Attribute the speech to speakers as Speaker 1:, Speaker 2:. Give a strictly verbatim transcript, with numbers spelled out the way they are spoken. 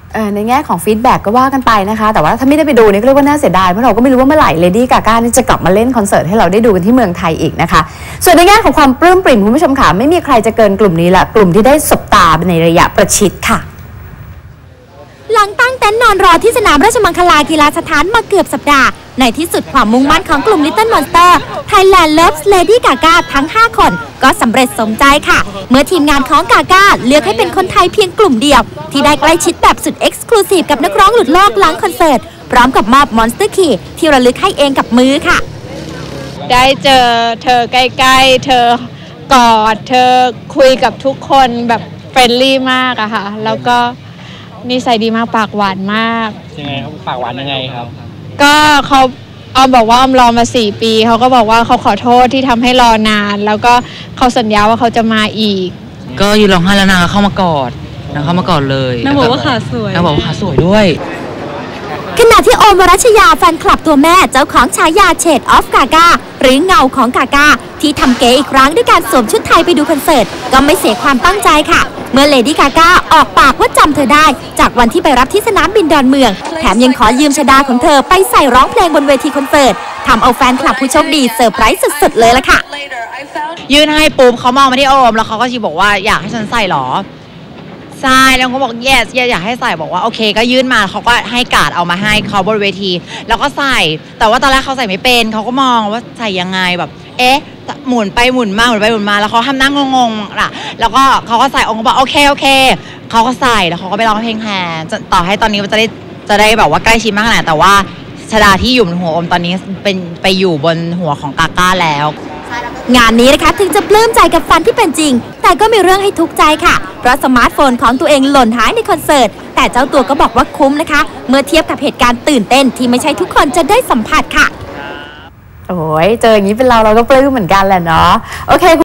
Speaker 1: ในแง่ของฟีดแบ็กก็ว่ากันไปนะคะแต่ว่าถ้าไม่ได้ไปดูนี่ก็เรียกว่าน่าเสียดายเพราะเราก็ไม่รู้ว่าเมื่อไหร่เลดี้กาก้านี่จะกลับมาเล่นคอนเสิร์ตให้เราได้ดูกันที่เมืองไทยอีกนะคะส่วนในแง่ของความปลื้มปริ่มคุณผู้ชมค่ะไม่มีใครจะเกินกลุ่มนี้ละกลุ่มที่ได้สบตาในระยะประชิดค่ะ
Speaker 2: หลังตั้งเต็นท์นอนรอที่สนามราชมังคลากีฬาสถานมาเกือบสัปดาห์ในที่สุดความมุ่งมั่นของกลุ่ม Little Monster Thailand Loves Lady Gaga ทั้งห้าคนก็สำเร็จสมใจค่ะเมื่อทีมงานของกาก้าเลือกให้เป็นคนไทยเพียงกลุ่มเดียวที่ได้ใกล้ชิดแบบสุดเอ็กซ์คลูซีฟกับนักร้องหลุดโลกหลังคอนเสิร์ตพร้อมกับมอบ Monster Key ที่ระลึกให้เองกับมือค่ะ
Speaker 3: ได้เจอเธอใกล้ๆเธอกอดเธอคุยกับทุกคนแบบเฟรนลี่มากอะค่ะแล้วก็นิสัยดีมากปากหวานมาก
Speaker 4: ยังไงเขาปากหวานยังไงครับ
Speaker 3: ก็เขาออมบอกว่าออมรอมาสี่ปีเขาก็บอกว่าเขาขอโทษที่ทำให้รอนานแล้วก็เขาสัญญาว่าเขาจะมาอีก
Speaker 5: ก็ยืนร้องไห้แล้วนางเข้ามากอดนางเข้ามากอดเลย
Speaker 3: นางบอกว่าขาสวย
Speaker 5: นางบอกว่าขาสวยด้วย
Speaker 2: ขณะที่โอมวรัชยาแฟนคลับตัวแม่เจ้าของฉายาเชดออฟกาก้าหรือเงาของกาก้าที่ทำเก๋อีกครั้งด้วยการสวมชุดไทยไปดูคอนเสิร์ตก็ไม่เสียความตั้งใจค่ะเมื่อเลดี้กาก้าออกปากว่าจำเธอได้จากวันที่ไปรับที่สนามบินดอนเมืองแถมยังขอยืมชดาของเธอไปใส่ร้องเพลงบนเวทีคอนเสิร์ตทำเอาแฟนคลับผู้โชคดีเซอร์ไพรส์สุดๆเลยล่ะค่ะ
Speaker 5: ยื่นให้ปุ๊บเขามองมาที่โอมแล้วเขาก็ชี้บอกว่าอยากให้ฉันใส่หรอใช่แล้วเขาบอก yes yes อยากให้ใส่บอกว่าโอเคก็ยื่นมาเขาก็ให้การ์ดเอามาให้เขาบนเวทีแล้วก็ใส่แต่ว่าตอนแรกเขาใส่ไม่เป็นเขาก็มองว่าใส่ยังไงแบบเอ๊ะหมุนไปหมุนมาหมุนไปหมุนมาแล้วเขาทำหน้างงๆล่ะแล้วก็เขาก็ใส่องค์บอกโอเคโอเคเขาก็ใส่แล้วเขาก็ไปร้องเพลงแทนต่อให้ตอนนี้มันจะได้จะได้แบบว่าใกล้ชิดมากขนาดแต่ว่าชดาที่อยู่บนหัวอมตอนนี้เป็นไปอยู่บนหัวของกาก้าแล้ว
Speaker 2: งานนี้นะคะถึงจะปลื้มใจกับฟันที่เป็นจริงแต่ก็มีเรื่องให้ทุกข์ใจค่ะเพราะสมาร์ทโฟนของตัวเองหล่นหายในคอนเสิร์ตแต่เจ้าตัวก็บอกว่าคุ้มนะคะเมื่อเทียบกับเหตุการณ์ตื่นเต้นที่ไม่ใช่ทุกคนจะได้สัมผัสค่ะ
Speaker 1: โอ้ยเจออย่างนี้เป็นเราเราก็ปลื้มเหมือนกันแหละเนาะโอเค